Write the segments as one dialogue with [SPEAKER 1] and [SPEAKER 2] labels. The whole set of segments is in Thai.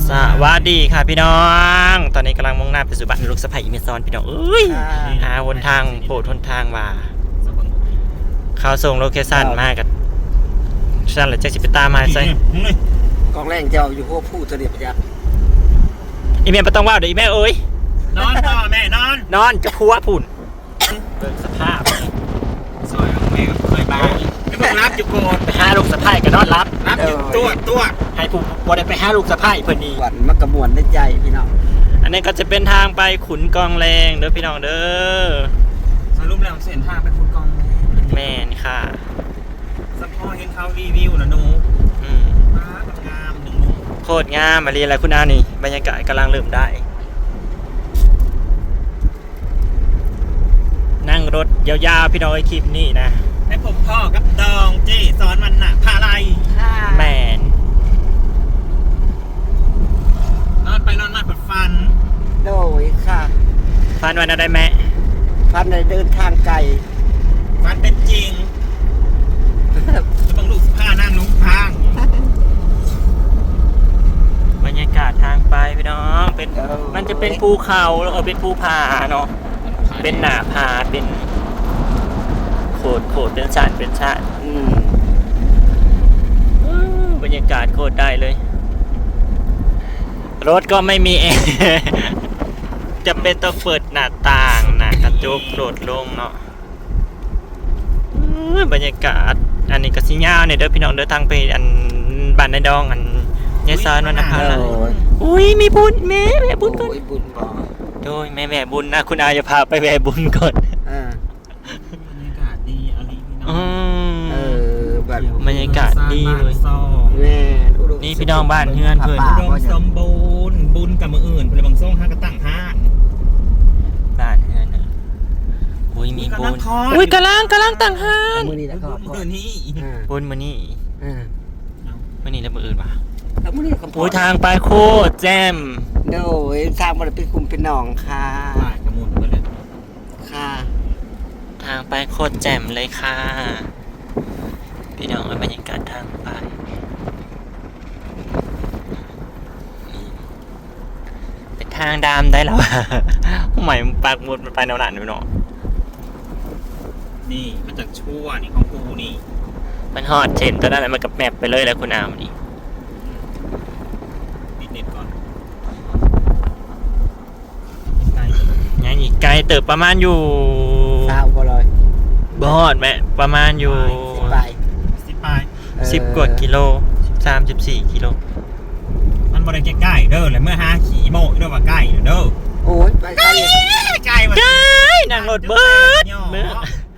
[SPEAKER 1] สวัสดีค่ะพี่น้อง ตอนนี้กำลังมุ่งหน้าไปสู่บ้านลูกสะใภ้อีเมซอนพี่น้องเอ้ยหาวนทางโปรดทนทางว่าเขาส่งโลเคชั่นมากับฉันเลยจะสิไปตามมาใส่
[SPEAKER 2] กองแรงเจ้าอยู่พวกผู้เสด็จพระยา
[SPEAKER 1] อีเมลไม่ต้องว่าเดี๋ยวอีเมลเอ้ย
[SPEAKER 3] นอนต่อแม่นอน
[SPEAKER 1] นอนจะพัวผุ่นเบิ่งสภาพ
[SPEAKER 3] สวยของแม่เคยบ้าไม่บอกรับอยู่โกรธ
[SPEAKER 1] ไปหาลูกสะใภ้ก็นอนรับ
[SPEAKER 3] รับอยู่ตัว
[SPEAKER 1] ให้ผู้บ่ได้ไปหาลูกสะใภ้เพิ่นนี่
[SPEAKER 2] หวันมักกระมวลได้ใจพี่น้อง
[SPEAKER 1] อันนี้ก็จะเป็นทางไปขุนกองแรงเด้อพี่น้องเด้อ
[SPEAKER 3] สรุปแล้วเส้นทางไปคุณกอง
[SPEAKER 1] แม่นค่ะ
[SPEAKER 3] สปอยเห็นเขารีวิวนะหนู
[SPEAKER 1] อืม
[SPEAKER 3] ม้ากับงามหนึ่งหนู
[SPEAKER 1] โคตรงามมาเรียนอะไรคุณอานี่บรรยากาศกำลังเริ่มได้ นั่งรถยาวๆพี่น้องไอคลิปนี่นะ
[SPEAKER 3] ให้ผมพ่อกับดองเจสอนมันน่ะพาอะไร
[SPEAKER 1] แมน
[SPEAKER 3] นอนไปนอนมาปวดฟัน
[SPEAKER 2] โดยค่ะ
[SPEAKER 1] ฟันวันอะไรแม่
[SPEAKER 2] พันในเดินทางไกล
[SPEAKER 3] ฟันเป็นจริงแล้วบางลูกผ้านั่งลงทาง
[SPEAKER 1] บรรยากาศทางไปพี่น้องเป็นมันจะเป็นภูเขาแล้วก็เป็นภูผาเนาะเป็นหน้าผาเป็นโขดเป็นชาติเป็นชาติบรรยากาศโคตรได้เลย รถก็ไม่มีแอร์ จะเป็นต้องเปิดหน้าต่างนะกระจกโดดลงเนาะบรรยากาศอันนี้ก็สิยาวเนี่ยเด้อพี่น้องเด้อทางไปอันบ้านในดองอันยายซานวรรณภาอุ้ยมีบุญแม่บุญก่อน
[SPEAKER 2] โอ้ยบุญบ่
[SPEAKER 1] โดยแม่บุญนะคุณอาจะพาไปแม่บุญก่อน
[SPEAKER 3] บรรยากาศดีอะไรพี่น้อง
[SPEAKER 2] แบบ
[SPEAKER 1] บรรยากาศดีเลย
[SPEAKER 2] แม่อุดม
[SPEAKER 1] นี่พี่น้องบ้านเฮือนเพิ่น
[SPEAKER 3] อุดมสมบูรณ์บุญกับมืออื่นเพื่อนบางส่งห้างกระตั้งห้าน
[SPEAKER 1] บ้านเฮือนนะอุ้ยมีบุญ
[SPEAKER 3] อุ้
[SPEAKER 1] อุ้
[SPEAKER 3] ย
[SPEAKER 1] ย
[SPEAKER 3] กำ
[SPEAKER 1] กำ
[SPEAKER 3] ลั
[SPEAKER 1] ลั
[SPEAKER 3] ง
[SPEAKER 1] งตั้งห้าน
[SPEAKER 2] มือนี้แล้วก็
[SPEAKER 3] มือนี้
[SPEAKER 1] บุญมื้อนี้มื้อนี้แล้วมื้ออื่นวะ
[SPEAKER 2] แล้วมือนี้ก็
[SPEAKER 1] อุ้ยทางไปโคตรแจ่ม
[SPEAKER 2] โดยทางมันเป็นคุมเป็นหนองค่ะ
[SPEAKER 3] ฝ่ายกระมุนไปเลย
[SPEAKER 2] ค่ะ
[SPEAKER 1] ทางไปโคตรแจ่มเลยค่ะ พี่น้องบรรยากาศทางไปเป็นทางดำได้แล้วอะ ใหม่ปากมุดมันไปแนวหนาพี่น้อง
[SPEAKER 3] นี่มันจะชั่วนี่ของกูนี่
[SPEAKER 1] มันฮอดเช่นตัวนั้นแหละมันกับแมปไปเลยแล้วคุณอามนี่
[SPEAKER 3] ปิดเน็ตก่อนใกล้
[SPEAKER 1] ยังอีกไกลเติบประมาณอยู่
[SPEAKER 2] สาวบ่เลย
[SPEAKER 1] บฮอดแม่ประมาณอยู่
[SPEAKER 2] ไป
[SPEAKER 3] สิปลาย
[SPEAKER 1] 10 กว่ากิโล13-14 กิโล
[SPEAKER 3] มันบริเวณใกล้เด้อเลยเมื่อ5ขี่โมกเด้อว่าใกล้เด้อ
[SPEAKER 2] โอ้ยไปใกล้
[SPEAKER 3] ใกล้มา
[SPEAKER 1] ไกลนั่งรถเบิดเบิด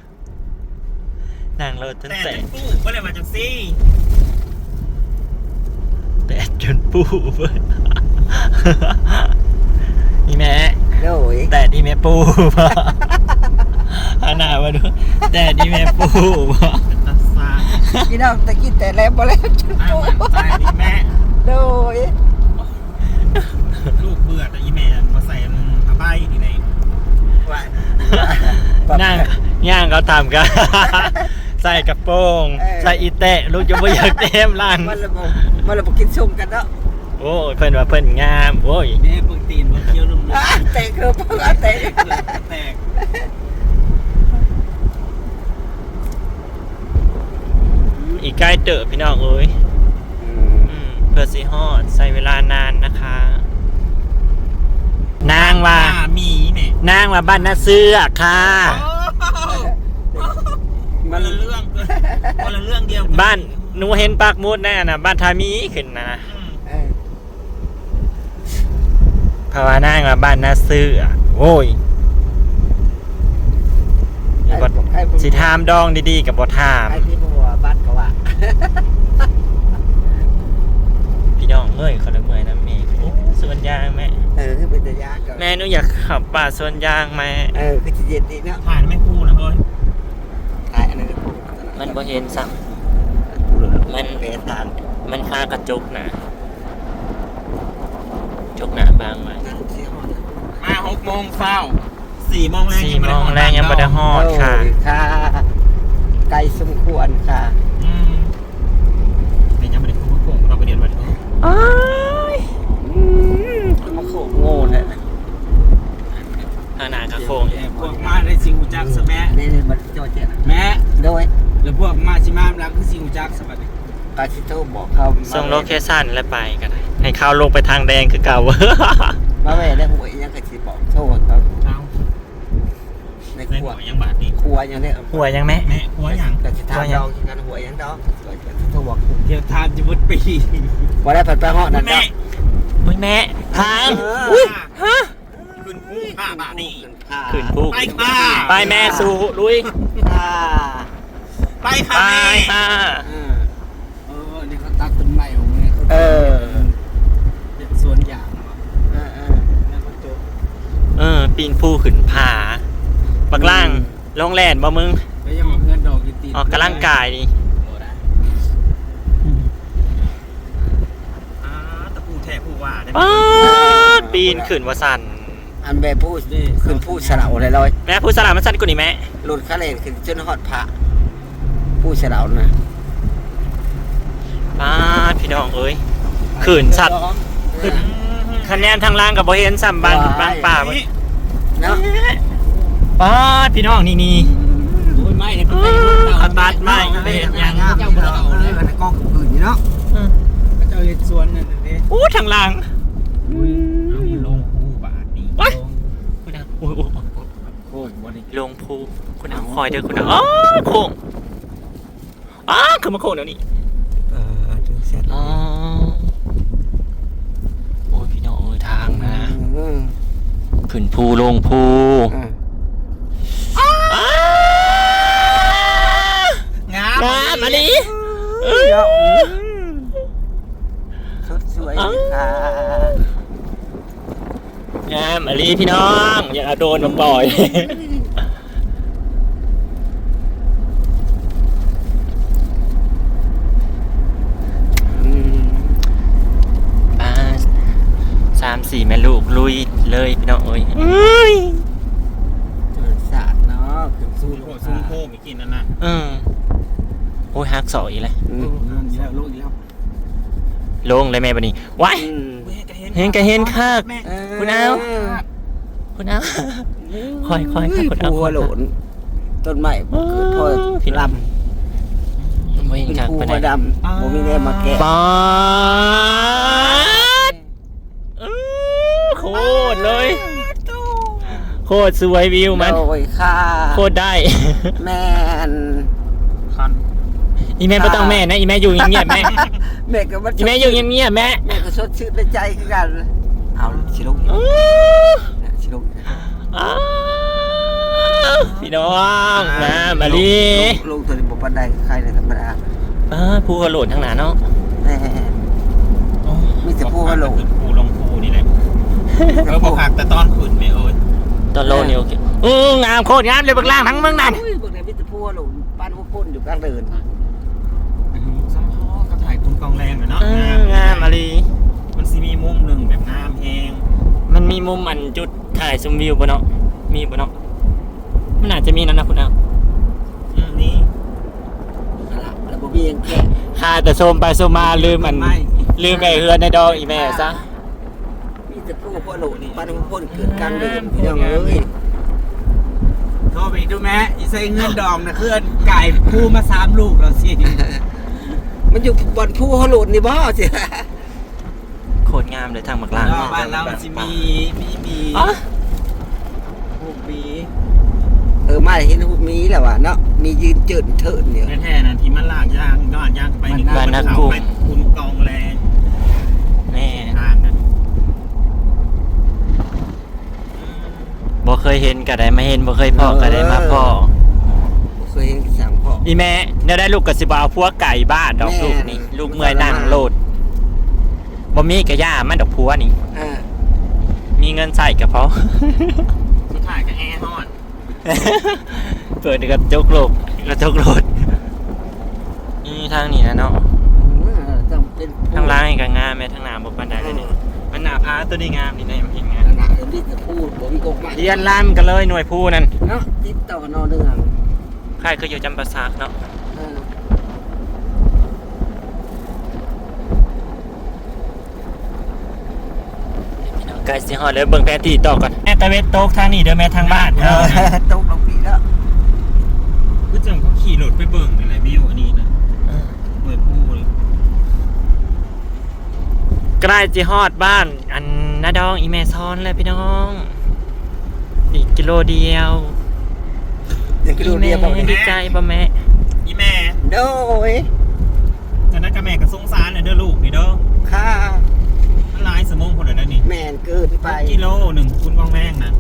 [SPEAKER 1] นั่งรถจน
[SPEAKER 3] แต่
[SPEAKER 1] แตก
[SPEAKER 3] ตู้ก็เลยมาจากซี่
[SPEAKER 1] แตกจนปูเบิด นี่แม่
[SPEAKER 2] โดย
[SPEAKER 1] แต่ดีแม่ปูป่ะอาหน้ามาดูแต่ดีแม่ปูป่ะ
[SPEAKER 3] ตัดซา
[SPEAKER 2] พี่น้องตะกี้แต่แล้วบ่แล้วจุด
[SPEAKER 3] อ้าวมันใจดิแม่
[SPEAKER 2] โดย
[SPEAKER 3] ลูกเบื่อแต่อีแม่มาใส่ผ้าใบที่ไหน
[SPEAKER 1] นั่งย่างเขาทำกัน ใส่กระโปรงใส่อีเตะลูกจะไม่อยากเต็มร่าง
[SPEAKER 2] มันระบบกินซุ่มกันเนาะ
[SPEAKER 1] โอ้ยเพิ่นว่าเพิ่นงามโอ้ย
[SPEAKER 3] แม่เพิ่งตีนมาเคี้ยวนุ่ม
[SPEAKER 2] เตะคือเพิ่งเตะ
[SPEAKER 3] แตก
[SPEAKER 1] อีกใกล้เตอะพี่น้องเอ้ยเพื่อสิฮอดใส่เวลานานนะคะ นางว่า
[SPEAKER 3] มีเนี่ย
[SPEAKER 1] นางว่าบ้านนาเสื้อค่ะ
[SPEAKER 3] คนละเรื่องคนละเรื่องเดียว
[SPEAKER 1] บ้านหนูเห็นปากมูดแน่นะบ้านทามีขึ้นนะภาวนางว่าบ้านนาเสื้อโอ้ยสิถามดองดีๆกับบ่ถาม
[SPEAKER 2] ไอ้ที่บัวบ้านก็ว่า
[SPEAKER 1] พี่น้องเอ้ยคนละเมื่อยนะแม่สวนยางแม่
[SPEAKER 2] เป็นระยะก็
[SPEAKER 1] แม่หนูอยากขับป่าสวนยางแม่
[SPEAKER 2] คือจะเย็นดีเนาะ
[SPEAKER 3] ผ่านไม่พูดนะเฮ้ย
[SPEAKER 2] ถ่ายอันนั้นก็พูด
[SPEAKER 1] มันบ่เห็นซ้ำมัน
[SPEAKER 2] เปทาน
[SPEAKER 1] มันคากระจุกนะจุกหนาบางไว้
[SPEAKER 3] มา6 โมงเช้า4 โมงแรง
[SPEAKER 1] 4 โมงแรงยังบ่ได้ฮอดค่ะ
[SPEAKER 2] ค่ะไกลสมควรค่ะ
[SPEAKER 3] แต่ยังไม่ได้พูดโกงเราไปเรียนวันนี้
[SPEAKER 1] อ้าย
[SPEAKER 2] อื
[SPEAKER 3] คือสิวจักสบัด
[SPEAKER 2] กาสิโทรบอกเขา
[SPEAKER 1] ส่งโลเคชั่นแล้วไปกันให้เขาลงไปทางแดงคือเก่า
[SPEAKER 2] มาแม่ได้หวยยังกะสิบอกโทษเขา
[SPEAKER 3] เช้า
[SPEAKER 2] ใน
[SPEAKER 3] ใน
[SPEAKER 2] ครั
[SPEAKER 3] หั
[SPEAKER 2] ว
[SPEAKER 3] วยังบาดนี่
[SPEAKER 2] ครัวยังได้
[SPEAKER 1] หัวยังแม่
[SPEAKER 3] แม่หัวยัง
[SPEAKER 2] กะสิทำดอกกันหวยยังดอกกะสิโทรบอก
[SPEAKER 3] เดี๋ยวทานจะมุดปี
[SPEAKER 2] บ่ได้ผัดไปฮอดนั่นด
[SPEAKER 3] แม่
[SPEAKER 2] อก
[SPEAKER 1] อุ้ยแม่ทาง
[SPEAKER 3] อุ้ยฮะขึ้นผู้ข้าบาดนี่
[SPEAKER 1] ขึ้นผู้
[SPEAKER 3] ไปค่ะ
[SPEAKER 1] ไปแม่สู่ลุย
[SPEAKER 2] ค่ะ
[SPEAKER 3] ไปค่ะ
[SPEAKER 1] ไป
[SPEAKER 3] แม่
[SPEAKER 1] ค่ะ
[SPEAKER 3] นี่เขาตัดต้นไม้ของแม่เขา
[SPEAKER 2] เออ
[SPEAKER 3] เป็นสวนยาง แม่เขาโจ
[SPEAKER 1] ปีนผู้ขึ้นผาบักล่างลงแลนบ่มึง
[SPEAKER 3] ไปยังเงินดอกอยู่ตี
[SPEAKER 1] ออกกำลังกายนี่
[SPEAKER 3] ตะปูแทผู้ว่าได้
[SPEAKER 1] ป๊าดปีนขึ้นว่าสั่น
[SPEAKER 2] อันแบบพูดขึ้นพูดสลาวเลยเลย
[SPEAKER 1] แม่ผู้สลามันสั่นกว่านี้แม่
[SPEAKER 2] หลุดคาเลนขึ้นจนฮอดพระพูดสลาวนะ
[SPEAKER 1] ป๊าดพี่น้องเอ้ยขึ้นสัตว์คะแนนทางล่างกับบ่เห็นซ้ำบางป่าบ่
[SPEAKER 2] เนาะ
[SPEAKER 1] ป๊าดพี่น้องนี่
[SPEAKER 3] โอ้ยไม่เนี่ย
[SPEAKER 1] เอาตัดไม้ไปเฮ็ดหยัง
[SPEAKER 3] เจ้าบ่ได้เอาเลย
[SPEAKER 2] ในกองอื่นนี่เนาะ
[SPEAKER 3] เจ้าเฮ็ดสวนนั่นเด้
[SPEAKER 1] อู้ทางล่าง
[SPEAKER 3] เอามันลงผู้บาดนี่
[SPEAKER 1] คุณเอาโอ้โห
[SPEAKER 3] โอ้ยบ่ได้
[SPEAKER 1] ลงภูคุณเอาคอยเด้อคุณเอาอ๋อโค้งอ๋อคือมาโค้งเดี๋ยวนี้
[SPEAKER 2] ถึงเสร็จ
[SPEAKER 1] อ๋อโอ้ยพี่น้องเอ้ยทางนะขึ้นภูลงภูอ้าง
[SPEAKER 3] าม
[SPEAKER 1] งามอันนี้
[SPEAKER 2] สดสวยค่ะ
[SPEAKER 1] งามอันนี้พี่น้องอย่าเอาโดนมาปล่อยป้า3-4แม่ลูกลุยเลยพี่น้องเอ้ย
[SPEAKER 2] เจอสาดเนาะขึ้นสู้
[SPEAKER 3] โอ้ซุ้มโพมีกินนั่นน่ะ
[SPEAKER 1] โอ้ยฮักสอยเลย
[SPEAKER 3] ลงอีแล้วลงอีแล้ว
[SPEAKER 1] ลงเลยแม่บันนี้ว้ายเห็นก็เห็นคักคุณเอาคุณเอาคอยค่ะคุณเอา
[SPEAKER 2] หัวโหลนต้นไม้เกิดพ่อ
[SPEAKER 1] พี่
[SPEAKER 2] ล
[SPEAKER 1] ลำไม่
[SPEAKER 2] ำ
[SPEAKER 1] เห็น
[SPEAKER 2] เป็น
[SPEAKER 1] คัก
[SPEAKER 2] ผู้
[SPEAKER 1] ปาน
[SPEAKER 2] หัว
[SPEAKER 1] ใด
[SPEAKER 2] ดำบ่มีแรงมาแกะ
[SPEAKER 1] ปาดโคตรเลยโคตรสวยวิวมัน
[SPEAKER 2] โอ้ยค่ะ
[SPEAKER 1] โคตรได้
[SPEAKER 2] แม่น
[SPEAKER 3] คัน
[SPEAKER 1] อีแม่ไม่ต้องแม่นะอีแม่อยู่เงียบๆแม่
[SPEAKER 2] แม่ก็บ่
[SPEAKER 1] อีแม่อยู่เงียบๆแม่
[SPEAKER 2] แม่ก็สดชื่นในใจคือกันเอาสิลูกสิลูก
[SPEAKER 1] อ้าวพี่น้องนะมาลี
[SPEAKER 2] ลูกตัวนี้บ่ปานใดใครในธรรมดา
[SPEAKER 1] ผู้กระโหลดทางหนาเนาะ
[SPEAKER 2] แม่มีแต่ผู้ว่าโหลน
[SPEAKER 3] ผู้ลงผู้นี่แหละบอกหักแต่ตอนขึ้นไม่เอ้ย
[SPEAKER 1] ตอนโลนี่โอเคงามโคตรงามเลยเบื้องล่างทั้งเบื้องนั้น
[SPEAKER 2] อุ้ยเบิ่งได้มีแต่ผู้ว่าโหลนปานหัวก้นอยู่กลางเดิน
[SPEAKER 3] ซ้ำพ่อก็ถ่ายคุณกองแรงหน่อยเนาะ
[SPEAKER 1] งามมาลี
[SPEAKER 3] มันสิมีมุมหนึ่งแบบงามแฮง
[SPEAKER 1] มันมีมุมอันจุดถ่ายชมวิวบ่เนาะมีบ่เนาะมันอาจจะมีนั่นนะคุณเอา
[SPEAKER 3] นี่
[SPEAKER 2] แล้วบ่มีหยังแกะ
[SPEAKER 1] หาแต่ชมไปชมมาลืมอันลืมไอ้เฮือนในดองอีแม่ซะ
[SPEAKER 2] มีแต่ผู้ว่าโหลนปานหัวก้นเกิดกลางเดินพี่น้องเอ้ย
[SPEAKER 3] โทรไปดูแม่อีใส่เงินดองนะเพื่อนไก่ผู้มา3 ลูกแล้วสิ
[SPEAKER 2] มันอยู่บนผู้ว่าโหลนนี่บ่สิ
[SPEAKER 1] โคตรงามเลยทางบักล่าง
[SPEAKER 3] บ้านเราจะมีผู้ปี
[SPEAKER 2] มาเห็นหูมีแหละว่ะเนาะมียืนเจิดเถิดเนี่ย
[SPEAKER 3] แท้ๆนะที่มันลากยางย้อนยางไปหนึ่งเขาไปคุณกองแรง
[SPEAKER 1] แน่
[SPEAKER 3] ทางนั้น
[SPEAKER 1] บ่เคยเห็นก็ได้มาเห็นบ่เคยพอก็ได้มาพอ
[SPEAKER 2] เคยเห็นสามพ่อ
[SPEAKER 1] อีแม่เนี่ยได้ลูกกระสิบเอาพวกไก่บ้านดอก
[SPEAKER 2] แม่
[SPEAKER 1] ลูกนี่ลูกเมื่อยนั่งโลดบ่มีกระย่ามันดอกพัวนี่ มีเงินใส่กับเขา
[SPEAKER 3] สุดท้ายก็แอร์ฮอด
[SPEAKER 1] เปิดกระจกโลกกระจกโลดนี่ทางนี้นะเนาะ
[SPEAKER 2] ต้องเป็น
[SPEAKER 1] ทางล่างนี่ก็งามแม่ทางหน้าบ่ปานใดเลยนี่มันหน้าพาตัวนี้งามนี่ได้มันเห็นงาม
[SPEAKER 2] ขนาดนี้จะพูดผมกบมา
[SPEAKER 1] เรียนล่ามกันเลยหน่วยผู้นั่น
[SPEAKER 2] เนาะติดต่อนอเนื่อง
[SPEAKER 1] ใครคืออยู่จำปาสักเนาะไกลสิฮอดเลยเบิ่งแผนที่ต่อก่อนแม่ตะเวนตกทางนี้เด้อแม่ทางบ้านเออ
[SPEAKER 2] ตกลงปีแล้ว
[SPEAKER 3] ก็จังเขาขี่รถไปเบิ่งอะไรวิวอันนี้นะ
[SPEAKER 1] ล้ๆจะฮอดบ้านอันนาดองอีเมซอนเลยพี่น้องอีกกิโลเดียว
[SPEAKER 2] ยังกิโลเดียวบ่
[SPEAKER 1] ดีใจบ่แม่
[SPEAKER 3] อีแม่
[SPEAKER 2] โดย
[SPEAKER 3] จะนักกับแม่กับสงสารเนี่ยเด้อลูกนี่เด้อ
[SPEAKER 2] ค่า
[SPEAKER 3] มันหลายสมองคนเดียวนี่
[SPEAKER 2] แม่นเกินไป
[SPEAKER 3] กิโลหนึ่งคุณกองแม่งนะ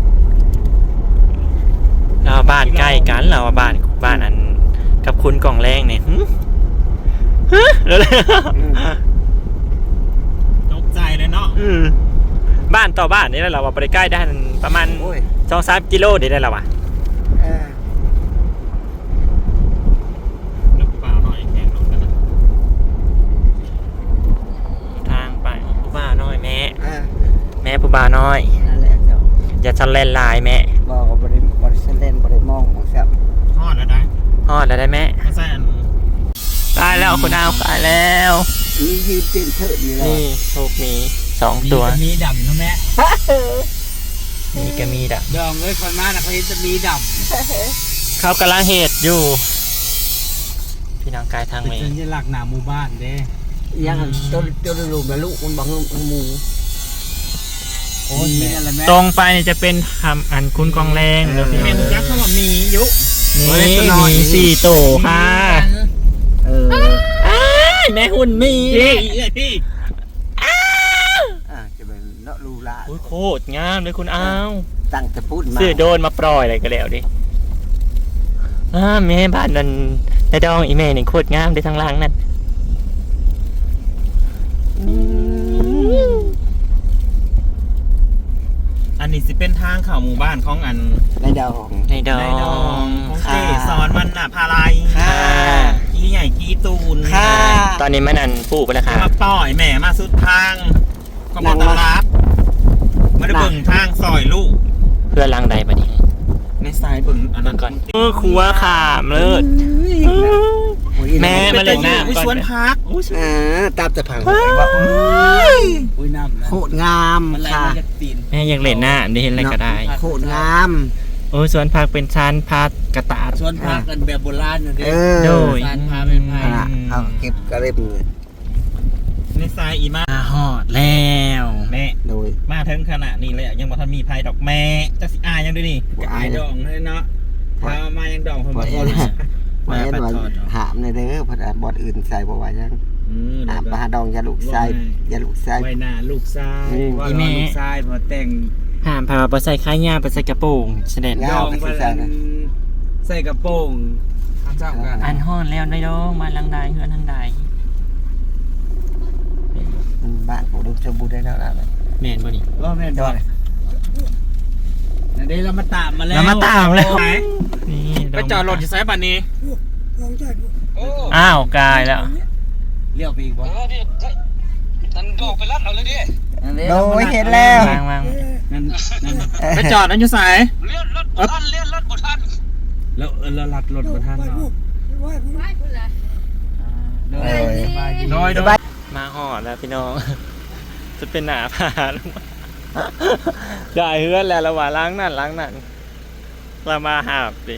[SPEAKER 1] เราบ้านใกล้กันเราบ้านอันกับคุณกล่องแรงเนี่ยแล้ว
[SPEAKER 3] ตกใจเลยเนาะ
[SPEAKER 1] บ้านต่อบ้านนี่เราว่าไปใกล้ได้ประมาณ
[SPEAKER 2] โอ้ย
[SPEAKER 1] 2-3 กิโลเดี๋ยวได้แล้ววะ
[SPEAKER 2] เออ
[SPEAKER 3] นึกเปล่าหน่อยแข่งรถกันนะ
[SPEAKER 1] ทางไปผู้บ่าวน้อยแม่
[SPEAKER 2] อ่า
[SPEAKER 1] แม่ผู้บ่าวน้อย
[SPEAKER 2] นั่นแหละเจ้า
[SPEAKER 1] อย่าทะเลนลายแม่
[SPEAKER 2] บอกว่าบ่ได้เล่นบ่ได้มองบ่ครับ
[SPEAKER 3] ทอดแล้วได้
[SPEAKER 1] ฮอดแล้วได้แม่
[SPEAKER 3] ไม่ใช่อัน
[SPEAKER 1] ตายแล้วคุณอาวตายแล้ว
[SPEAKER 2] มียืนเต้นเถิดอยู่แล้ว
[SPEAKER 1] นี่ถูกมี2 ตัว
[SPEAKER 4] มีดำนะแม่
[SPEAKER 1] นี่ก็มีดัก
[SPEAKER 4] ดองเลยคนมานะเขาเห็นจะมีด
[SPEAKER 1] เขากำลังเหตุอยู่ พี่น้องกายทาง
[SPEAKER 4] ำ
[SPEAKER 1] เม
[SPEAKER 4] เป็นสัญลักษณ์หน้าหมู่บ้านเด้
[SPEAKER 2] ยังตัวลูกแล้วลูกมันบังหมู
[SPEAKER 4] โอ้ยแม่อะไรแม่
[SPEAKER 1] ตรงไปนี่จะเป็นคำอันคุณกองแรงแล้วพี่
[SPEAKER 3] แม่
[SPEAKER 1] น้อง
[SPEAKER 3] คุณยักษ์เขาบอกมียุ
[SPEAKER 1] นี่มี4 โตค่ะ
[SPEAKER 2] เออ
[SPEAKER 1] อ้ายแม่หุ่นมี
[SPEAKER 3] พี่พี่
[SPEAKER 2] จะเป็นเนาะลูลา
[SPEAKER 1] โอ้ยโคตรงามเลยคุณอาว
[SPEAKER 2] ตั้งแต่พูดมา
[SPEAKER 1] เสื้อโดนมาปล่อยอะไรก็แล้วดิแม่บ้านนั่นในดองอีแม่นี่โคตรงามได้ทั้งหล่างนั่น
[SPEAKER 3] อันนี้สิเป็นทางเข้าหมู่บ้านของอัน
[SPEAKER 2] ในดอง
[SPEAKER 1] ในดอ
[SPEAKER 3] ในดอง
[SPEAKER 1] ง
[SPEAKER 3] ของ
[SPEAKER 2] ค่ะ
[SPEAKER 3] เจสอนวันน่ะพาลาย
[SPEAKER 2] ค่ะ
[SPEAKER 3] กี้ใหญ่กี้ตูน
[SPEAKER 2] ค่ะ
[SPEAKER 1] ตอนนี้มันอันปลูกไปแล้วค่ะ
[SPEAKER 3] มาต่อยแม่มาสุดทางก็มาตลาดไม่ได้เบิ่งทางซอยลูก
[SPEAKER 1] เพื่อล้างใดบัดนี้
[SPEAKER 3] ในสายเบิ่งอันนั้น
[SPEAKER 1] ก่อนครัวขามเลิศ แม่มาเล่นน้ำ
[SPEAKER 3] อุ้ย
[SPEAKER 1] ก่อน
[SPEAKER 3] สวนพักอุ้ยสวน
[SPEAKER 2] ตามแต่ผังว่า
[SPEAKER 4] อุ้ยน้ำนะ
[SPEAKER 2] โคตรงาม
[SPEAKER 4] มันไหล
[SPEAKER 2] ค่ะ
[SPEAKER 4] มาจากตีน
[SPEAKER 1] แม่อยากเล่นหน้าได้เห็นอะไรก็ได้
[SPEAKER 2] โคตรงาม
[SPEAKER 1] โอ้ยสวนผักเป็นชั้นพักกระตาด
[SPEAKER 4] สวนพักกันแบบโบราณนะเด้
[SPEAKER 2] เออ
[SPEAKER 1] โดย
[SPEAKER 4] สารพาเป็นไผ่
[SPEAKER 2] เอาเก็บกระเล็บเลย
[SPEAKER 3] ในสายอีมา
[SPEAKER 1] มาหอดแล้ว
[SPEAKER 3] แม่
[SPEAKER 2] โดย
[SPEAKER 3] มาถึงขนาดนี้เลยอะยังบ่ทันมีภัยดอกแม่จะสิอายยังด้วยนี่
[SPEAKER 2] บ่อาย
[SPEAKER 3] ดองเลยเนาะพามายังดองผม
[SPEAKER 2] บ่
[SPEAKER 3] บ่
[SPEAKER 2] เห็
[SPEAKER 3] พอน รู้สึก
[SPEAKER 2] บ่เห็นว่าหามในเด้อเพราะบอดอื่นใส่บ่ว่ายัง
[SPEAKER 3] แล้
[SPEAKER 2] หาว ม
[SPEAKER 3] ก็
[SPEAKER 2] ปลาดองยาลูกใส่ยาลูกใส่
[SPEAKER 4] ไว้หน้าลูกชาย
[SPEAKER 2] อืม
[SPEAKER 4] ว่าลูกชายมาแต่ง
[SPEAKER 1] ห้ามพาไปใส่ข้ายาไปใส่กระโปรงเสด็จ
[SPEAKER 2] ยาวไปสิใส่นะ
[SPEAKER 4] ใส่กระโปรงทำเจ้ากัน
[SPEAKER 1] อันหอดแล้วได้ดองมาลังใดเฮือนทางใด
[SPEAKER 2] มันบ้านผมดูสมบูรณ์ได้แล้วล่ะ
[SPEAKER 1] แม่นบ่นี่
[SPEAKER 4] ว่าแม่นบ่นั่นเด้เรามาตามมาแล้ว
[SPEAKER 1] เรามาตามแล้ว
[SPEAKER 3] ไหน
[SPEAKER 1] นี่
[SPEAKER 3] ไปจอดรถอยู่ไซบันนี้
[SPEAKER 1] อ้าวกายแล้ว
[SPEAKER 4] เลี้ยวไปอีกบ่
[SPEAKER 2] โดยเห็นแล้ว
[SPEAKER 1] วาง
[SPEAKER 4] นั่นนั่น
[SPEAKER 3] ไปจอดนั้นอยู่ไส
[SPEAKER 4] แล้วเราลัดรถบ่ทันเนาะ
[SPEAKER 2] เออ
[SPEAKER 4] สบายดี
[SPEAKER 3] โดย
[SPEAKER 2] สบาย
[SPEAKER 1] มาหอดแล้วพี่น้อง จะเป็นหนาผาลงมาได้เฮือนแล้วระหว่างล้างนั่นเรามาหาบดิ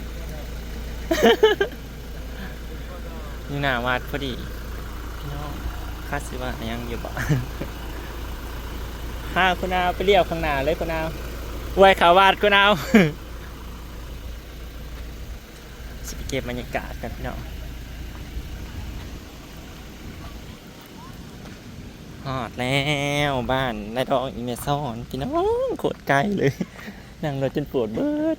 [SPEAKER 1] นี่หนาวัดพอดีพี่น้องคาดสิว่ายังอยู่บ่ ห้าคุณเอาไปเรียกข้างหน้าเลยคุณเอาไว้ขาวาดคุณเอา จะไปเก็บบรรยากาศกันพี่น้องฮอดแล้วบ้านนายดองอีเมซอนพี่น้องโคตรไกลเลย นั่งรถจนปวดเบิด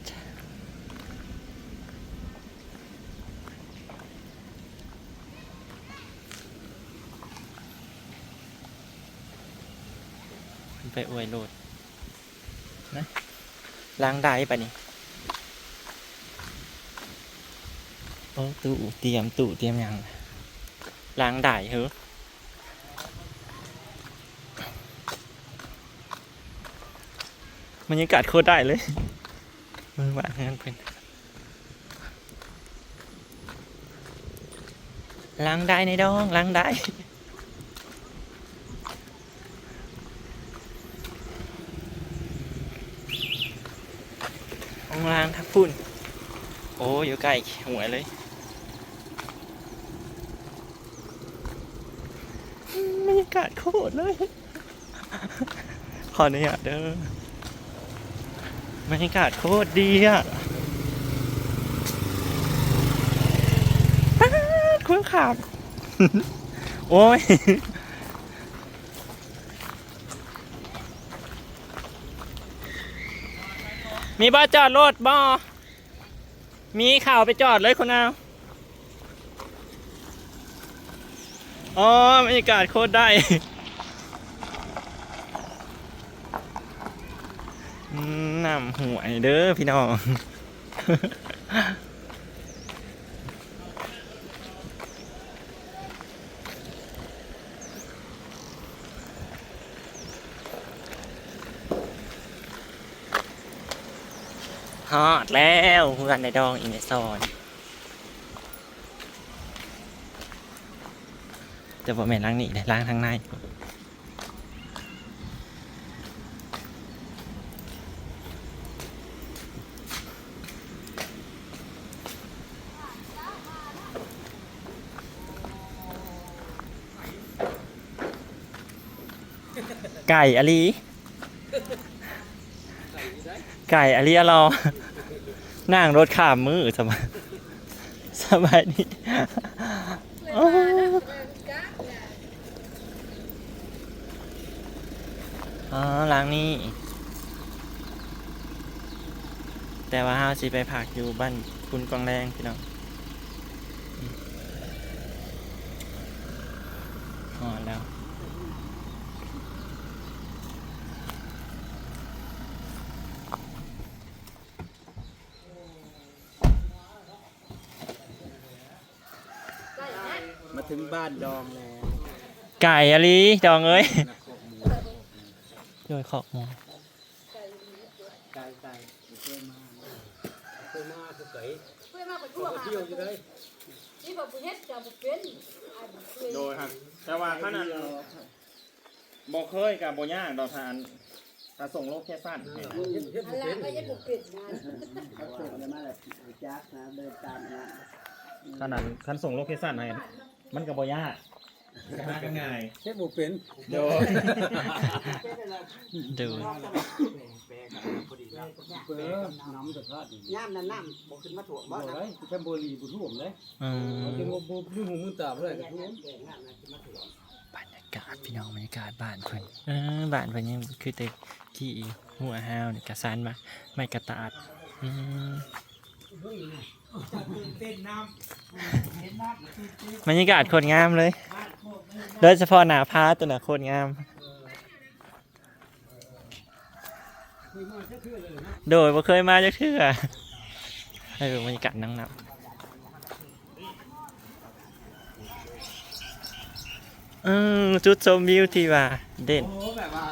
[SPEAKER 1] ไปอวยโลดนะล้างได้ปะนี่โอ้ตู้เตรียมยังล้างได้เหรอบรรยากาศโคตรได้เลยมือบ้านงั้นเป็นล้างได้ในดองล้างได้ห้องล้างทับพุ่นโอ้อยู่ใกล้หัวเลยบรรยากากาศโคตรเลย ขออนุญาตเด้อบรรยากาศโคตรดีอ่ะคุ้นขาด โอ้ย มีบ่จอดรถบ่มีข่าวไปจอดเลยคุณเอาอ๋อบรรยากาศโคตรได้ น้ำห่วยเด้อพี่น้อง ฮอดแล้วเพื่อนในดองอินเนซอนจะบอกแม่นล้างนี่เลยล้างทางในไก่อะลีไก่อะลีอะรอนั่งรถข้ามมือสบายดีอ๋อล้างนี่แต่ว่าเฮาสิไปพักอยู่บ้านคุณกองแรงพี่น้องอ๋อแล้ว
[SPEAKER 4] มาถึงบ้านดองแล้ว
[SPEAKER 1] ไก่อะลีดองเอ้ยโดยขอบหมอ
[SPEAKER 4] ไก่เคยมาคือไก่
[SPEAKER 5] เพื่อนมาไปทั่วมานี่บอกผู้เฮ็ดจะบอกเป็น
[SPEAKER 1] โดยครับแต่ว่าขนาดบอกเคยกับโบย่างดอกทานถ้าส่งโลกแค่สั้น
[SPEAKER 5] อะไรก็ยังบอกเป็นงาน
[SPEAKER 2] เขาส่งกันมาแบบจักนะเดินตามนะ
[SPEAKER 1] ขนาดคันส่งโลเคชั่นให้มันกับโบย่างง่าย
[SPEAKER 4] เฮ็ดบ่เป็น
[SPEAKER 1] โดยดู
[SPEAKER 4] เปิ้น้ำจะพลาด
[SPEAKER 2] ย่ามน้ำบ่ขึ้นมาถ่วงบ่
[SPEAKER 4] บ่
[SPEAKER 2] นะ
[SPEAKER 4] ได้แค่บ่รีบ่ท่วมเลย
[SPEAKER 1] อืม
[SPEAKER 4] จังบ่ลืมหูมือตาเพิ่นก็ท่วม
[SPEAKER 1] บรรยากาศพี่น้องบรรยากาศบ้านเพิ่นบ้านเพิ่นยังคือแต่ที่หัวห้าวนี่กระซานมาไม่กระตาดบรรยากาศโคตรงามเลยโดยเฉพาะหน้าผาตัวน่ะโคตรงามโดยบ่เคยมาจักเทื่อบรรยากาศนั่งนับจุดชมวิวที่ว่าเด่น
[SPEAKER 4] โอ้แบบว่า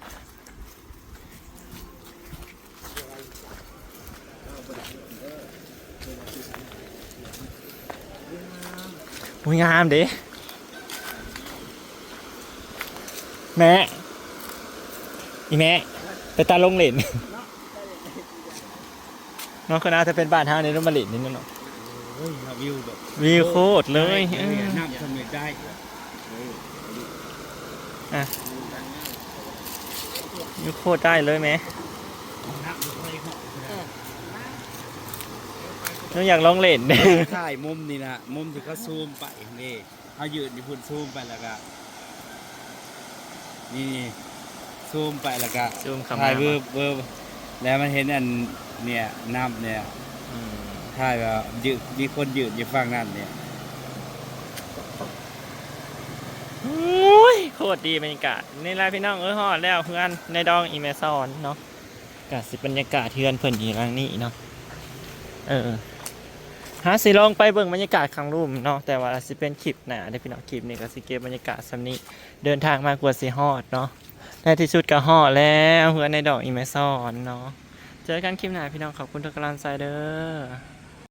[SPEAKER 1] อุ้ยงามดิแม่อีแม่ไปตาลงเหล่นน้องคนน่าจะเป็นบ้านเฮาในรุ่มมะลินนี่เนาะ
[SPEAKER 4] โอ้ยวิวแบบ
[SPEAKER 1] วิวโคตรเลย
[SPEAKER 4] น้ำทำได้
[SPEAKER 1] วิวโคตรได้เลยแม่น้องอยากลองเล่น
[SPEAKER 4] ถ่ายมุมนี่นะมุมที่เขาซูมไปนี่เขายืนอยู่พุ่นซูมไปแล้วก็นี่ซูมไปแล้วก็
[SPEAKER 1] ซูมเข้ามา
[SPEAKER 4] ถ่ายเวิร์บแล้วมันเห็นอันเนี่ยน้ำเนี่ยถ่ายแบบยืนมีคนยืนอยู่ฝั่งนั้นเนี่ย
[SPEAKER 1] โอ้ยโคตรดีบรรยากาศนี่แหละพี่น้องฮอดแล้วเพื่อนในดองอีเมซอนเนาะกาสิบรรยากาศเทือนเพิ่นอีหลังนี้เนาะหาสิลองไปเบิ่งบรรยากาศข้างรูมเนาะแต่ว่าสิเป็นคลิปหน้าได้พี่น้องคลิปนี้ก็สิเก็บบรรยากาศซ้ำนี้เดินทางมากว่าสิฮอดเนาะในที่สุดก็ฮอดแล้วเพื่อนในดอกอีเมซอนเนาะเจอกันคลิปหน้าพี่น้องขอบคุณทุกกำลังใจเด้อ